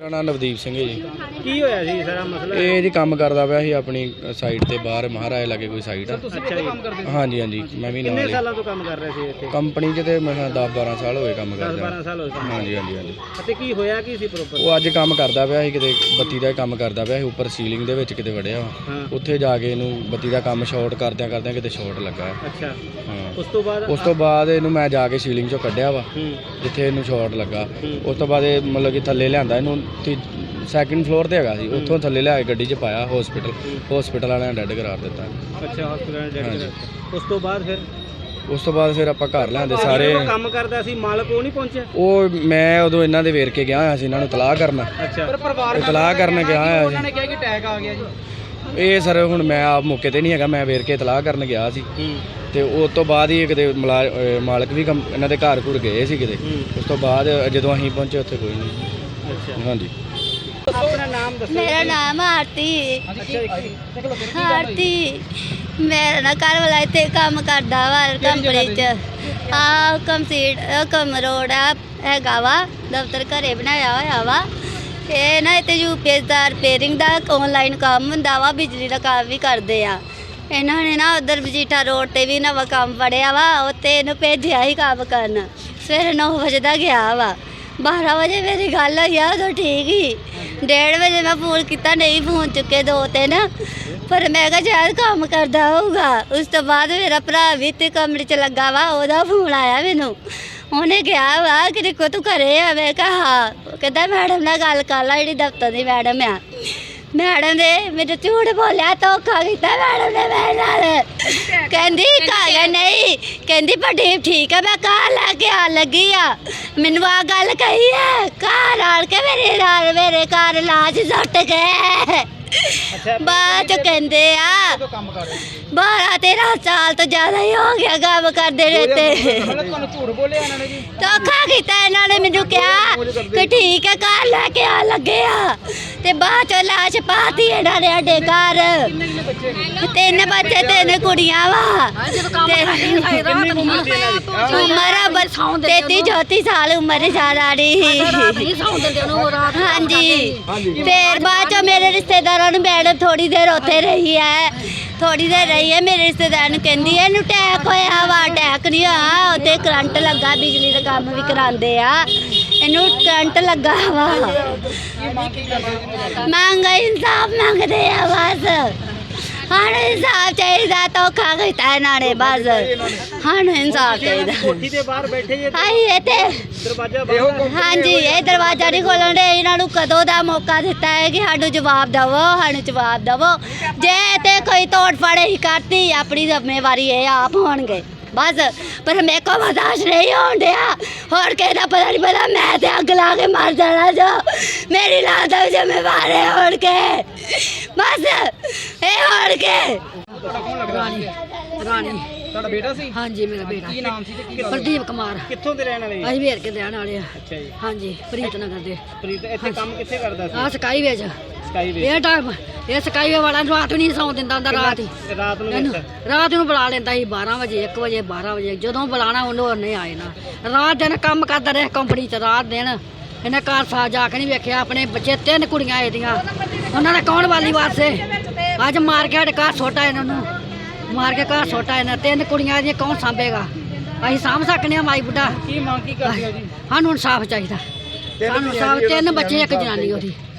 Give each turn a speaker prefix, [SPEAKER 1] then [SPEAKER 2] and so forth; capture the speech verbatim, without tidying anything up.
[SPEAKER 1] ਮੇਰਾ ਨਾਮ ਨਵਦੀਪ ਸਿੰਘ ਹੈ ਜੀ।
[SPEAKER 2] ਕੀ ਹੋਇਆ ਸੀ ਸਾਰਾ ਮਸਲਾ?
[SPEAKER 1] ਇਹ ਜੀ ਕੰਮ ਕਰਦਾ ਪਿਆ ਸੀ ਆਪਣੀ ਸਾਈਡ ਤੇ ਬਾਹਰ ਮਹਾਰਾਜ ਲਾਗੇ ਕੋਈ ਸਾਈਡ ਆ।
[SPEAKER 2] ਅੱਛਾ ਜੀ।
[SPEAKER 1] ਹਾਂਜੀ ਹਾਂਜੀ ਮੈਂ ਵੀ ਨਾਲ
[SPEAKER 2] ਕਿੰਨੇ
[SPEAKER 1] ਹੀ
[SPEAKER 2] ਸਾਲਾਂ ਤੋਂ ਕੰਮ ਕਰ ਰਹੇ ਸੀ ਇੱਥੇ
[SPEAKER 1] ਕੰਪਨੀ 'ਚ ਤੇ ਮੈਂ ਦਸ ਬਾਰਾਂ ਸਾਲ ਹੋਏ ਕੰਮ
[SPEAKER 2] ਦਸ
[SPEAKER 1] ਕਰਦਾ।
[SPEAKER 2] ਬਾਰਾਂ ਸਾਲ ਹੋਏ ਕੰਮ
[SPEAKER 1] ਹਾਂਜੀ ਹਾਂਜੀ ਹਾਂਜੀ।
[SPEAKER 2] ਅਤੇ ਕੀ ਹੋਇਆ ਕੀ ਸੀ ਪ੍ਰੋਪਰ?
[SPEAKER 1] ਉਹ ਅੱਜ ਕੰਮ ਕਰਦਾ ਪਿਆ ਸੀ ਕਿਤੇ ਬੱਤੀ ਦਾ ਕੰਮ ਕਰਦਾ ਪਿਆ ਸੀ ਉੱਪਰ ਸੀਲਿੰਗ ਦੇ ਵਿੱਚ ਕਿਤੇ ਵੜਿਆ
[SPEAKER 2] ਹਾਂ।
[SPEAKER 1] ਉੱਥੇ ਜਾ ਕੇ ਇਹਨੂੰ ਬੱਤੀ ਦਾ ਕੰਮ ਸ਼ਾਰਟ ਕਰਦਿਆਂ ਕਰਦਿਆਂ ਕਿਤੇ ਸ਼ਾਰਟ ਲੱਗਾ।
[SPEAKER 2] ਅੱਛਾ।
[SPEAKER 1] ਹਾਂ
[SPEAKER 2] ਉਸ ਤੋਂ ਬਾਅਦ
[SPEAKER 1] ਉਸ ਤੋਂ ਬਾਅਦ ਇਹਨੂੰ ਮੈਂ ਜਾ ਕੇ ਸੀਲਿੰਗ 'ਚੋਂ ਕੱਢਿਆ ਵਾ
[SPEAKER 2] ਹੂੰ
[SPEAKER 1] ਜਿੱਥੇ ਇਹਨੂੰ ਸ਼ਾਰਟ ਲੱਗਾ।
[SPEAKER 2] ਹੂੰ।
[SPEAKER 1] ਉਸ ਤੋਂ ਬਾਅਦ ਇਹ ਮਤਲਬ ਕਿ ਥੱਲੇ ਲਿਆਂਦਾ ਇਹਨੂੰ ਸੈਕਿੰਡ ਫਲੋਰ ਤੇ ਹੈਗਾ ਸੀ, ਉੱਥੋਂ ਥੱਲੇ ਲਿਆ ਕੇ ਗੱਡੀ 'ਚ ਪਾਇਆ ਹਸਪੀਟਲ ਹਸਪੀਟਲ ਵਾਲਿਆਂ ਨੇ ਡੈਡ ਕਰਾਰ ਦਿੱਤਾ।
[SPEAKER 2] ਅੱਛਾ ਹਸਪੀਟਲ ਡੈਡ ਕਰਾਰ। ਉਸ ਤੋਂ ਬਾਅਦ ਫਿਰ
[SPEAKER 1] ਉਸ ਤੋਂ ਬਾਅਦ ਫਿਰ ਆਪਾਂ ਘਰ ਲਿਆਂਦੇ ਸਾਰੇ।
[SPEAKER 2] ਕੰਮ ਕਰਦਾ ਸੀ ਮਾਲਕ ਉਹ ਨਹੀਂ ਪਹੁੰਚਿਆ?
[SPEAKER 1] ਉਹ ਮੈਂ ਉਦੋਂ ਇਹਨਾਂ ਦੇ ਵੇਰ ਕੇ ਗਿਆ ਹੋਇਆ ਸੀ, ਇਹਨਾਂ ਨੂੰ ਤਲਾਹ ਕਰਨ।
[SPEAKER 2] ਅੱਛਾ।
[SPEAKER 1] ਤਲਾਹ ਕਰਨ ਗਿਆ ਹੋਇਆ ਸੀ।
[SPEAKER 2] ਉਹਨਾਂ ਨੇ ਕਿਹਾ ਕਿ ਅਟੈਕ ਆ ਗਿਆ ਜੀ।
[SPEAKER 1] ਇਹ ਸਰ ਹੁਣ ਮੈਂ ਆਪ ਮੌਕੇ ਤੇ ਨਹੀਂ ਹੈਗਾ, ਮੈਂ ਵੇਰ ਕੇ ਤਲਾਹ ਕਰਨ ਗਿਆ ਸੀ ਤੇ ਉਸ ਤੋਂ ਬਾਅਦ ਹੀ ਕਿਤੇ ਮਾਲਕ ਵੀ ਕੰਮ ਇਹਨਾਂ ਦੇ ਘਰ ਘੁਰ ਗਏ ਸੀ ਕਿਤੇ। ਉਸ ਤੋਂ ਬਾਅਦ ਜਦੋਂ ਅਸੀਂ ਪਹੁੰਚੇ ਉੱਥੇ ਕੋਈ ਨਹੀਂ।
[SPEAKER 2] ਅੱਛਾ
[SPEAKER 1] ਹਾਂਜੀ।
[SPEAKER 2] ਆਪਣਾ ਨਾਮ ਦੱਸੋ।
[SPEAKER 3] ਮੇਰਾ ਨਾਮ ਆਰਤੀ।
[SPEAKER 2] ਅੱਛਾ।
[SPEAKER 3] ਆਰਤੀ ਮੇਰਾ ਨਾ ਘਰ ਵਾਲਾ ਇੱਥੇ ਕੰਮ ਕਰਦਾ ਵਾ ਕੰਪਨੀ 'ਚ। ਆ ਕੰਸੀਡ ਕਮ ਰੋਡ ਆ ਹੈਗਾ ਵਾ ਦਫ਼ਤਰ ਘਰੇ ਬਣਾਇਆ ਹੋਇਆ ਵਾ। ਇਹ ਨਾ ਇੱਥੇ ਯੂਪੀਐਸ ਦਾ ਰਿਪੇਅਰਿੰਗ ਦਾ ਆਨਲਾਈਨ ਕੰਮ ਹੁੰਦਾ ਵਾ, ਬਿਜਲੀ ਦਾ ਕੰਮ ਵੀ ਕਰਦੇ ਆ। ਇਹਨਾਂ ਨੇ ਨਾ ਉਧਰ ਮਜੀਠਾ ਰੋਡ ਤੇ ਵੀ ਨਵਾਂ ਕੰਮ ਫੜਿਆ ਵਾ, ਉੱਥੇ ਇਹਨੂੰ ਭੇਜਿਆ ਸੀ ਕੰਮ ਕਰਨ। ਸਵੇਰੇ ਨੌ ਵਜੇ ਦਾ ਗਿਆ ਵਾ, ਬਾਰਾਂ ਵਜੇ ਮੇਰੀ ਗੱਲ ਹੋਈ ਆ ਉਦੋਂ ਠੀਕ ਹੀ। ਡੇਢ ਵਜੇ ਮੈਂ ਫੋਨ ਕੀਤਾ, ਨਹੀਂ ਫੋਨ ਚੁੱਕੇ ਦੋ ਤਿੰਨ, ਪਰ ਮੈਂ ਕਿਹਾ ਸ਼ਾਇਦ ਕੰਮ ਕਰਦਾ ਹੋਊਗਾ। ਉਸ ਤੋਂ ਬਾਅਦ ਮੇਰਾ ਭਰਾ ਵੀ ਤੇ ਕਮਰੇ 'ਚ ਲੱਗਾ ਵਾ, ਉਹਦਾ ਫੋਨ ਆਇਆ ਮੈਨੂੰ। ਉਹਨੇ ਕਿਹਾ ਵਾ ਕਿ ਦੇਖੋ ਤੂੰ ਘਰੇ ਆ? ਮੈਂ ਕਿਹਾ ਹਾਂ। ਉਹ ਕਹਿੰਦਾ ਮੈਡਮ ਨਾਲ ਗੱਲ ਕਰ ਲਾ, ਜਿਹੜੀ ਦਫ਼ਤਰ ਦੀ ਮੈਡਮ ਆ। ਮੈਡਮ ਨੇ ਮੈਨੂੰ ਝੂਠ ਬੋਲਿਆ, ਧੋਖਾ ਕੀਤਾ ਮੈਡਮ ਨੇ ਮੇਰੇ ਨਾਲ। ਕਹਿੰਦੀ ਘਰ ਨਹੀਂ, ਕਹਿੰਦੀ ਵੱਡੀ ਠੀਕ ਹੈ, ਮੈਂ ਘਰ ਲੈ ਕੇ ਆ ਲੱਗੀ ਆ। ਮੈਨੂੰ ਆ ਗੱਲ ਕਹੀ ਹੈ, ਘਰ ਆਣ ਕੇ ਮੇਰੇ ਨਾਲ ਮੇਰੇ ਘਰ ਲਾਜ ਸੁੱਟ ਗਏ। ਬਾਅਦ ਚ ਕਹਿੰਦੇ ਆ ਬਾਰਾਂ ਤੇਰਾਂ ਸਾਲ ਤੋਂ ਜ਼ਿਆਦਾ ਹੀ ਹੋ ਗਿਆ ਕੰਮ ਕਰਦੇ ਰਹਿੰਦੇ। ਧੋਖਾ ਕੀਤਾ ਇਹਨਾਂ ਨੇ। ਮੈਨੂੰ ਕਿਹਾ ਕਿ ਠੀਕ ਹੈ ਘਰ ਲੈ ਕੇ ਆ ਲੱਗੇ ਆ, ਤੇ ਬਾਅਦ ਚੋਂ ਲਾਸ਼ ਪਾਤੀ ਇਹਨਾਂ ਨੇ ਸਾਡੇ ਘਰ। ਤਿੰਨ ਬੱਚੇ ਤਿੰਨ ਕੁੜੀਆਂ ਵਾ, ਉਮਰ ਤੇਤੀ ਚੌਤੀ ਸਾਲ ਉਮਰ ਸਾਰਾ ਦੀ। ਹਾਂਜੀ। ਫਿਰ ਬਾਅਦ ਚੋਂ ਮੇਰੇ ਰਿਸ਼ਤੇਦਾਰਾਂ ਨੂੰ ਮੈਡਮ ਥੋੜੀ ਦੇਰ ਉੱਥੇ ਰਹੀ ਹੈ, ਥੋੜੀ ਦੇਰ ਰਹੀ ਹੈ। ਮੇਰੇ ਰਿਸ਼ਤੇਦਾਰ ਨੂੰ ਕਹਿੰਦੀ ਇਹਨੂੰ ਅਟੈਕ ਹੋਇਆ ਵਾ। ਅਟੈਕ ਨਹੀਂ ਹੋਇਆ, ਉੱਥੇ ਕਰੰਟ ਲੱਗਾ, ਬਿਜਲੀ ਦਾ ਕੰਮ ਵੀ ਕਰਾਉਂਦੇ ਆ, ਇਹਨੂੰ ਕਰੰਟ ਲੱਗਾ ਵਾ। ਮੰਗ ਇਨਸਾਫ ਮੰਗਦੇ ਆ ਬਸ, ਸਾਨੂੰ ਇਨਸਾਫ ਚਾਹੀਦਾ। ਧੋਖਾ ਕੀਤਾ ਇਹਨਾਂ ਨੇ ਬਸ, ਸਾਨੂੰ ਇਨਸਾਫ ਚਾਹੀਦਾ।
[SPEAKER 2] ਕੋਠੀ ਦੇ ਬਾਹਰ ਬੈਠੇ ਜੇ
[SPEAKER 3] ਹਾਈ ਇੱਥੇ
[SPEAKER 2] ਦਰਵਾਜ਼ਾ ਬੰਦ।
[SPEAKER 3] ਹਾਂਜੀ, ਇਹ ਦਰਵਾਜ਼ਾ ਨਹੀਂ ਖੋਲ੍ਹਣ ਦੇ। ਇਹਨਾਂ ਨੂੰ ਕਦੋਂ ਦਾ ਮੌਕਾ ਦਿੱਤਾ ਹੈ ਕਿ ਸਾਨੂੰ ਜਵਾਬ ਦੇਵੋ, ਸਾਨੂੰ ਜਵਾਬ ਦੇਵੋ। ਜੇ ਤੇ ਕੋਈ ਤੋੜ ਫਾੜੇ ਹੀ ਕਰਤੀ, ਆਪਣੀ ਜ਼ਿੰਮੇਵਾਰੀ ਇਹ ਆਪ ਹੋਣਗੇ ਬਸ। ਪਰ ਮੇਰੇ ਕੋਲ ਬਰਦਾਸ਼ਤ ਨਹੀਂ ਹੋਣ ਡਿਆ। ਹੋਰ ਕਿਸੇ ਦਾ ਪਤਾ ਨਹੀਂ ਪਤਾ, ਮੈਂ ਤੇ ਅੱਗ ਲਾ ਕੇ ਮਰ ਜਾਣਾ ਜੋ ਮੇਰੀ ਲਾਸ਼ ਦਾ ਜ਼ਿੰਮੇਵਾਰ ਹੈ ਹੋਣ ਕੇ ਬਸ ਇਹ ਹੋਣ ਕੇ।
[SPEAKER 4] ਰਾਣੀ ਰਾਣੀ
[SPEAKER 2] ਤੁਹਾਡਾ ਬੇਟਾ ਸੀ?
[SPEAKER 4] ਹਾਂਜੀ ਮੇਰਾ ਬੇਟਾ।
[SPEAKER 2] ਕੀ ਨਾਮ ਸੀ ਤੇ ਕੀ?
[SPEAKER 4] ਪ੍ਰਦੀਪ ਕੁਮਾਰ।
[SPEAKER 2] ਕਿੱਥੋਂ ਦੇ ਰਹਿਣ ਵਾਲੇ?
[SPEAKER 4] ਅਸੀਂ ਵੇਰ ਕੇ ਰਹਿਣ ਵਾਲੇ ਆ।
[SPEAKER 2] ਅੱਛਾ ਜੀ।
[SPEAKER 4] ਹਾਂਜੀ, ਪ੍ਰੀਤ ਨਗਰ ਦੇ।
[SPEAKER 2] ਪ੍ਰੀਤ ਇੱਥੇ ਕੰਮ ਕਿੱਥੇ ਕਰਦਾ ਸੀ?
[SPEAKER 4] ਆ ਸਕਾਈ ਵੇਜ।
[SPEAKER 2] ਸਕਾਈ ਵੇ।
[SPEAKER 4] ਇਹ ਟਾਈਮ ਇਹ ਸਕਾਈ ਵੇ ਵਾਲਾ ਰਾਤ ਨੂੰ ਨਹੀਂ ਸੌਂ ਦਿੰਦਾ ਹੁੰਦਾ, ਰਾਤ ਹੀ
[SPEAKER 2] ਰਾਤ ਨੂੰ
[SPEAKER 4] ਇਹਨੂੰ
[SPEAKER 2] ਵਿੱਚ?
[SPEAKER 4] ਰਾਤ ਨੂੰ ਬੁਲਾ ਲੈਂਦਾ ਸੀ ਬਾਰਾਂ ਵਜੇ ਇੱਕ ਵਜੇ ਬਾਰਾਂ ਵਜੇ, ਜਦੋਂ ਬੁਲਾਣਾ ਉਹਨੂੰ ਉਹਨੇ ਆਏ ਨਾ। ਰਾਤ ਦਿਨ ਕੰਮ ਕਰਦਾ ਰਿਹਾ ਕੰਪਨੀ 'ਚ, ਰਾਤ ਦਿਨ ਇਹਨੇ ਘਰ ਸਾ ਜਾ ਕੇ ਨਹੀਂ ਵੇਖਿਆ। ਆਪਣੇ ਬੱਚੇ ਤਿੰਨ ਕੁੜੀਆਂ ਇਹਦੀਆਂ, ਉਹਨਾਂ ਦਾ ਕੌਣ ਵਾਲੀ ਵਾਰਸੇ? ਅੱਜ ਮਾਰ ਕੇ ਸਾਡੇ ਘਰ ਸੁੱਟਾ ਇਹਨਾਂ ਨੂੰ, ਮਾਰ ਕੇ ਘਰ ਸੁੱਟਾ ਇਹਨਾਂ। ਤਿੰਨ ਕੁੜੀਆਂ ਇਹਦੀਆਂ ਕੌਣ ਸਾਂਭੇਗਾ? ਅਸੀਂ ਸਾਂਭ ਸਕਨੇ ਆ ਮਾਈ ਬੁੱਢਾ?
[SPEAKER 2] ਕੀ ਮੰਗ ਕੀ ਕਰਦੇ ਹੋ ਜੀ?
[SPEAKER 4] ਸਾਨੂੰ ਇਨਸਾਫ ਚਾਹੀਦਾ, ਸਾਨੂੰ ਇਨਸਾਫ। ਤਿੰਨ ਬੱਚੇ ਇੱਕ ਜਨਾਨੀ ਉਹਦੀ।